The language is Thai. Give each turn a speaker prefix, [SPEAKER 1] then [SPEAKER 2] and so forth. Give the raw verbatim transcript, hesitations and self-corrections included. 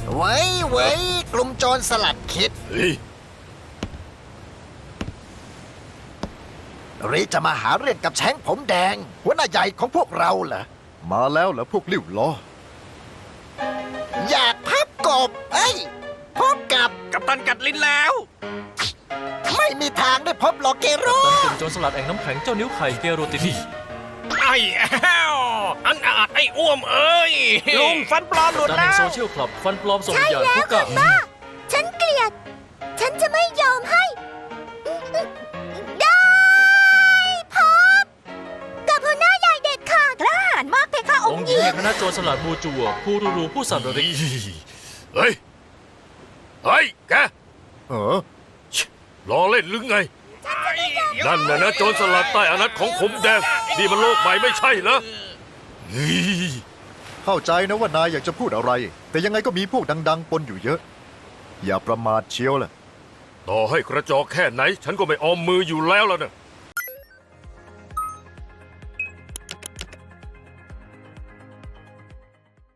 [SPEAKER 1] ไว้ไว้กลุ่มโจรสลัดคิด
[SPEAKER 2] เฮ้ย
[SPEAKER 1] หรือจะมาหาเรื่องกับแช้งผมแดง หัวหน้าใหญ่ของพวกเราเหรอ
[SPEAKER 3] มาแล้วเหรอพวกลิ้วล้อ
[SPEAKER 1] อยากพับกบ เอ้ย พบกับ
[SPEAKER 2] กัปตันกัดลิ้นแล้ว
[SPEAKER 1] ไม่มีทางได้พบหรอกเกโร
[SPEAKER 4] ตันกลุ่มโจรสลัดแอ่งน้ำแข็งเจ้านิ้วไข่เกโรตินี
[SPEAKER 2] ไอ้แอ้วอันอาจไอ้อ้วมเอ้ย ลุงฟันปลอมหลุด
[SPEAKER 4] ตัน
[SPEAKER 2] แล้
[SPEAKER 4] แห่ง
[SPEAKER 2] ว
[SPEAKER 4] โซเชียลคลับฟันปลอมส่งวิญญาณผู้กะ
[SPEAKER 5] ฉันเกลียด ฉันจะไม่ยอมให้ ได้พบกับหัวหน้าใหญ่เด็ดขาดกล้าหาญมากเพคะอ
[SPEAKER 4] อง ง
[SPEAKER 5] ค์
[SPEAKER 4] ค์
[SPEAKER 5] ห
[SPEAKER 4] หญิ
[SPEAKER 5] ญิ
[SPEAKER 4] ง
[SPEAKER 5] ง
[SPEAKER 4] แห่งคณะโจรสลัดบูจัวผู้รูรูผู้สันระริก
[SPEAKER 2] เฮ้ย เฮ้ย แก
[SPEAKER 3] เออ
[SPEAKER 2] รอเล่นหรือไง นั่นน่ะนะโจรสลัดใต้อานัตของผมแดง นี่มันโลกใหม่ไม่ใช่เหรอเฮ้ย
[SPEAKER 3] เข้าใจนะว่านายอยากจะพูดอะไร แต่ยังไงก็มีพวกดัง ๆ ปนอยู่เยอะ อย่าประมาทเชียวล่ะ
[SPEAKER 2] ต่อให้กระจอกแค่ไหน ฉันก็ไม่ออมมืออยู่แล้วล่ะนะ